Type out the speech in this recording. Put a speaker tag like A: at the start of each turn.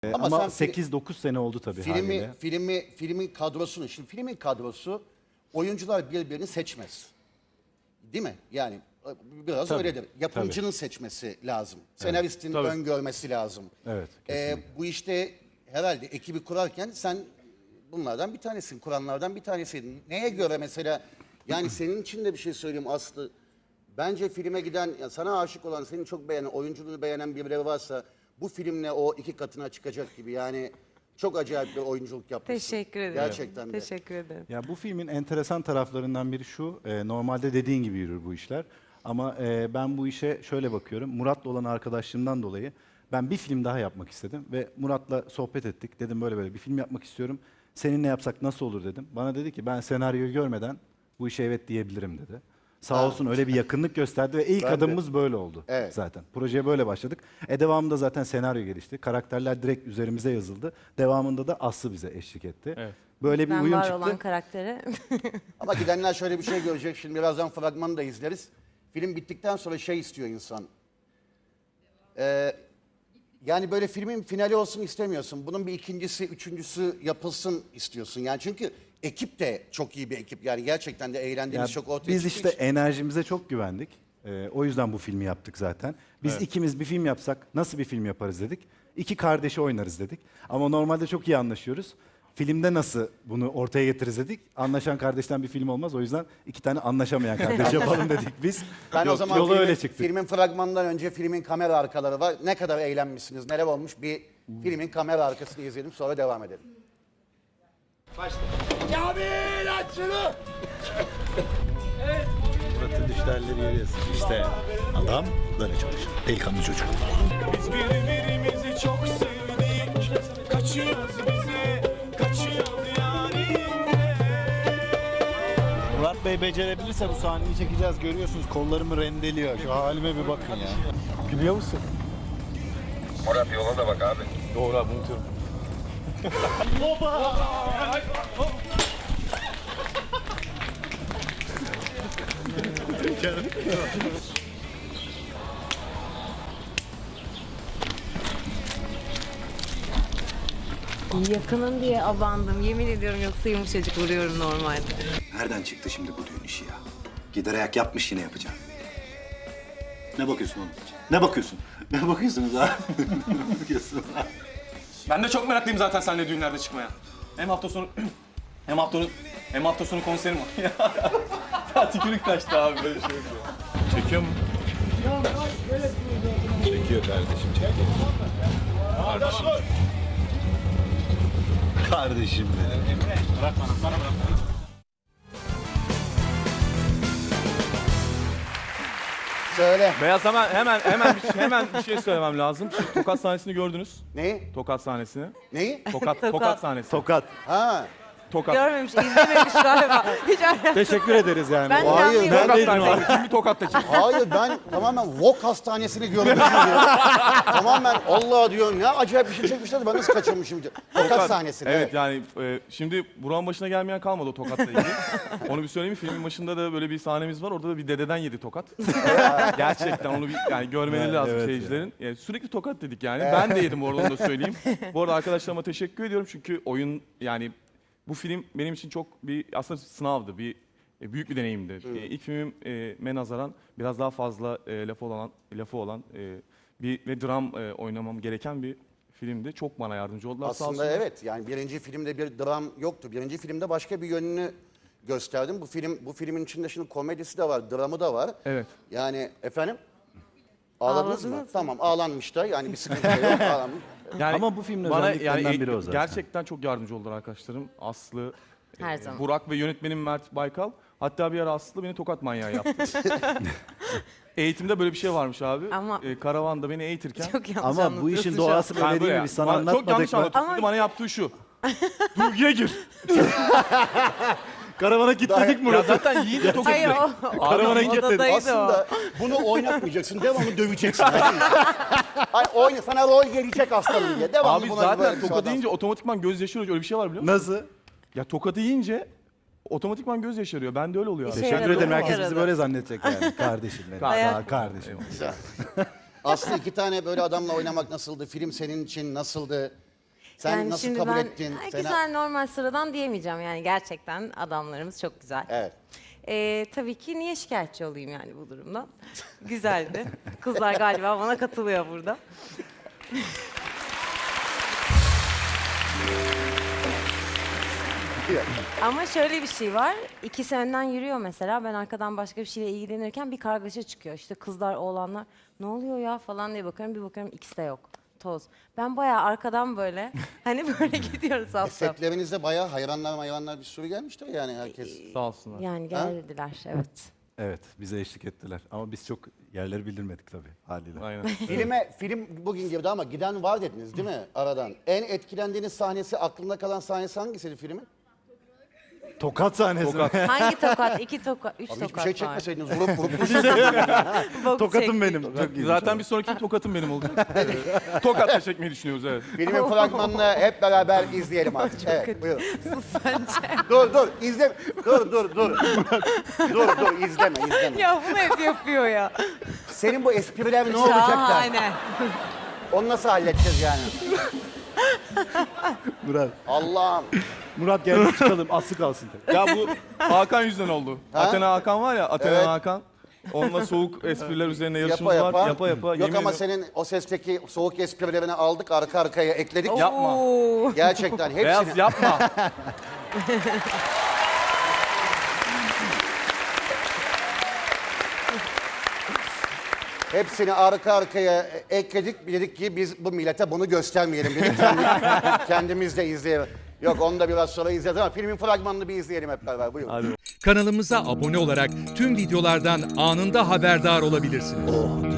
A: Ama
B: Ama
A: sen
B: 8-9 sene oldu tabii haliyle.
A: filmin kadrosunu, şimdi filmin kadrosu oyuncular birbirini seçmez. Değil mi? Yani biraz
B: Tabii,
A: öyledir. Yapımcının seçmesi lazım. Senaristin
C: Tabii.
A: öngörmesi lazım.
B: Evet, kesinlikle.
A: Bu işte herhalde ekibi kurarken sen bunlardan bir tanesin, kuranlardan bir tanesiydin. Neye göre mesela, yani senin için de bir şey söyleyeyim Aslı. Bence filme giden, ya sana aşık olan, seni çok beğenen, oyunculuğunu beğenen birileri varsa bu filmle o 2 katına çıkacak gibi. Yani çok acayip bir oyunculuk yapmışsın.
D: Teşekkür ederim.
A: Gerçekten de.
D: Teşekkür ederim.
B: Ya bu filmin enteresan taraflarından biri şu, normalde dediğin gibi yürür bu işler. Ama ben bu işe şöyle bakıyorum, Murat'la olan arkadaşlığımdan dolayı ben bir film daha yapmak istedim. Ve Murat'la sohbet ettik, dedim böyle böyle bir film yapmak istiyorum. Seninle yapsak nasıl olur dedim. Bana dedi ki ben senaryoyu görmeden bu işe evet diyebilirim dedi. Sağ olsun öyle bir yakınlık gösterdi ve ilk adımımız böyle oldu zaten. Projeye böyle başladık. Devamında zaten senaryo gelişti. Karakterler direkt üzerimize yazıldı. Devamında da Aslı bize eşlik etti.
C: Evet.
B: Böyle bir
D: Ben
B: uyum
D: var
B: çıktı.
D: olan karaktere.
A: Ama gidenler şöyle bir şey görecek. Şimdi birazdan fragmanı da izleriz. Film bittikten sonra şey istiyor insan. Yani böyle filmin finali olsun istemiyorsun. Bunun bir ikincisi, üçüncüsü yapılsın istiyorsun. Yani çünkü ekip de çok iyi bir ekip. Yani gerçekten de eğlendiğimiz
B: Ya
A: çok ortaya
B: biz
A: çıktığı
B: işte
A: için.
B: enerjimize çok güvendik. O yüzden bu filmi yaptık zaten. Biz ikimiz bir film yapsak nasıl bir film yaparız dedik. 2 kardeşi oynarız dedik. Ama normalde çok iyi anlaşıyoruz. Filmde nasıl bunu ortaya getiririz dedik. Anlaşan kardeşten bir film olmaz. O yüzden 2 tane anlaşamayan kardeş yapalım dedik biz.
A: Ben o zaman
B: yola öyle çıktık.
A: filmin fragmanından önce filmin kamera arkaları var. Ne kadar eğlenmişsiniz, neler olmuş, bir filmin kamera arkasını izleyelim, sonra devam edelim.
E: Kamil aç şunu!
F: Murat'ın düşlerleri görüyorsun. İşte adam böyle çalışır. Delikanlı çocuk.
E: Biz birbirimizi çok sevdik. Kaçıyoruz bize, kaçıyoruz yani.
F: Murat Bey becerebilirse bu sahneyi çekeceğiz. Görüyorsunuz kollarımı rendeliyor. Şu halime bir bakın ya. Gülüyor musun?
G: Murat yola da bak abi.
C: Doğru abi unutuyorum.
D: Yakınım diye abandım. Yemin ediyorum, yoksa yumuşacık vuruyorum normalde.
H: Nereden çıktı şimdi bu düğün işi ya? Gider ayak yapmış yine yapacağım.
F: Ne bakıyorsun oğlum? Ne bakıyorsun? Ne bakıyorsunuz abi? Ne bakıyorsun?
C: Ben de çok meraklıyım zaten seninle düğünlerde çıkmaya. Hem hafta sonu hem hafta sonu konserim var. Ya tükürük kaçtı abi böyle şey yapıyor. Çekiyor mu?
F: Çekiyor kardeşim, çekiyor. Kardeşim benim.
E: Bırak bana bırak.
A: Söyle.
C: Beyaz hemen bir şey söylemem lazım. Şu Tokat sahnesini gördünüz.
A: Neyi?
C: Tokat sahnesini.
A: Neyi?
C: Tokat sahnesi.
B: Tokat.
A: Ha.
C: Tokat.
D: Görmemiş, izlememiş galiba. Hiç alakası.
B: Teşekkür ederiz yani.
D: Ben de
A: Hayır,
D: anlayamadım.
C: Tokat
B: Neredeydin
C: sahnesi. Filmi Tokat'ta çekildi.
A: Hayır, ben tamamen Vok hastanesini görmüşüm diyor. Tamamen Allah diyorum, ne acayip bir şey çekmişler de ben nasıl kaçırmışım diyor. Tokat sahnesini.
C: Evet yani şimdi Burak'ın başına gelmeyen kalmadı o Tokat'la ilgili. Onu bir söyleyeyim mi? Filmin başında da böyle bir sahnemiz var. Orada da bir dededen yedi tokat. Gerçekten onu bir yani görmeleri lazım
B: evet
C: seyircilerin. Sürekli tokat dedik yani. Ben de yedim orada, onu da söyleyeyim. Bu arada arkadaşlarıma teşekkür ediyorum çünkü oyun yani bu film benim için çok bir aslında sınavdı. Büyük bir deneyimdi. İlk filmime nazaran biraz daha fazla lafı olan bir ve dram oynamam gereken bir filmdi. Çok bana yardımcı oldular. Sağ
A: Aslında
C: olsunlar.
A: evet, yani birinci filmde bir dram yoktu. Birinci filmde başka bir yönünü gösterdim. Bu filmin içinde şimdi komedisi de var, dramı da var.
C: Evet.
A: Yani efendim? Ağladınız mı?
D: Ağladınız mı?
A: Tamam, ağlanmış da, yani bir sıkıntı yok, ağlanmış.
C: Yani
B: Ama bu filmin özelliklerinden biri o zaten.
C: Gerçekten çok yardımcı oldular arkadaşlarım. Aslı,
D: Her zaman.
C: Burak ve yönetmenim Mert Baykal. Hatta bir ara Aslı beni tokat manyağı yaptı. Eğitimde böyle bir şey varmış abi.
D: Ama-
C: Karavanda beni eğitirken.
D: Çok yanlış
B: Ama bu
D: anlatıyorsun
B: işin
D: şu an.
B: doğası
C: Yani
B: böyle değil mi? Biz sana
C: Çok yanlış
B: anlatmadık mı?
C: anlatıyorsun.
D: Ama-
C: Bana yaptığı şu. Duyguya gir.
B: Karavana kilitledik
C: Ya
B: Murat'ı.
C: zaten yiyince tokat
D: Hayır,
C: direkt.
B: Karavana kilitledik.
D: odadaydı o.
A: Aslında bunu oynatmayacaksın, devamlı döveceksin. Ay, oyna, sana rol gelecek aslanım diye. Devamlı
C: Abi
A: buna
C: zaten
A: böyle bir
C: tokat
A: şey
C: yiyince otomatikman göz yaşarıyor. Öyle bir şey var biliyor musun?
B: Nasıl?
C: Ya tokat yiyince otomatikman göz yaşarıyor. Bende öyle oluyor abi.
D: İşe
B: Teşekkür
D: yaradı,
B: ederim.
D: o
B: Herkes bizi
D: yaradı.
B: böyle zannedecek yani. Kardeşim benim.
C: Hayat-
B: Sağ ol, kardeşim.
A: Aslı, 2 tane böyle adamla oynamak nasıldı? Film senin için nasıldı? Sen
D: Yani
A: nasıl
D: şimdi
A: kabul
D: ben
A: ettin?
D: güzel normal sıradan diyemeyeceğim yani gerçekten adamlarımız çok güzel.
A: Evet.
D: Tabii ki niye şikayetçi olayım yani bu durumdan? Güzeldi. Kızlar galiba bana katılıyor burada. Ama şöyle bir şey var. İkisi önden yürüyor mesela. Ben arkadan başka bir şeyle ilgilenirken bir kargaşa çıkıyor. İşte kızlar, oğlanlar ne oluyor ya falan diye bakıyorum. Bir bakıyorum ikisi de yok. Toz. Ben bayağı arkadan böyle hani böyle gidiyoruz saf saf.
A: Setlerinizde bayağı hayranlar bir sürü gelmiştir yani herkes.
C: Sağ olsunlar.
D: Yani geldiler evet.
B: Evet, bize eşlik ettiler. Ama biz çok yerleri bildirmedik tabii haliyle.
C: Aynen.
A: Film bugün girdi ama giden var dediniz değil mi aradan? En etkilendiğiniz sahnesi, aklında kalan sahnesi hangisiydi filmin?
B: Tokat sahnesi.
D: Hangi tokat? 2 tokat, 3
A: Abi
D: tokat
A: hiçbir şey
D: var.
A: çekmeseydiniz, vurup
D: Bok
B: Tokatım
D: çektik.
B: benim. Çok iyi.
C: Zaten bir sonraki tokatım benim olacak. Tokatla çekmeyi düşünüyoruz evet.
A: Filmin fragmanını hep beraber izleyelim artık. Evet, buyurun. Dur, izle. Dur, izleme.
D: Ya bunu hep yapıyor ya.
A: Senin bu espriler ne olacak da?
D: Şahane.
A: Onu nasıl halledeceğiz yani?
B: Murat.
A: Allah'ım.
B: Murat gel biz çıkalım. Aslı kalsın.
C: Ya bu Hakan yüzünden oldu.
A: Ha?
C: Athena Hakan var ya, Athena
A: Evet.
C: Hakan. Onunla soğuk espriler üzerine yarışımız
A: Yapa
C: var. Yapa.
A: Yok
C: yemin
A: ama
C: ediyorum.
A: senin o sesteki soğuk esprilerini aldık, arka arkaya ekledik.
C: Yapma.
D: Oo.
A: Gerçekten hepsini.
C: Beyaz yapma.
A: Hepsini arka arkaya ekledik. Dedik ki biz bu millete bunu göstermeyelim dedik. Kendimiz de izleyelim. Yok onu da biraz sonra izleyeceğiz ama filmin fragmanını bir izleyelim hep beraber. Buyurun.
I: Kanalımıza abone olarak tüm videolardan anında haberdar olabilirsiniz.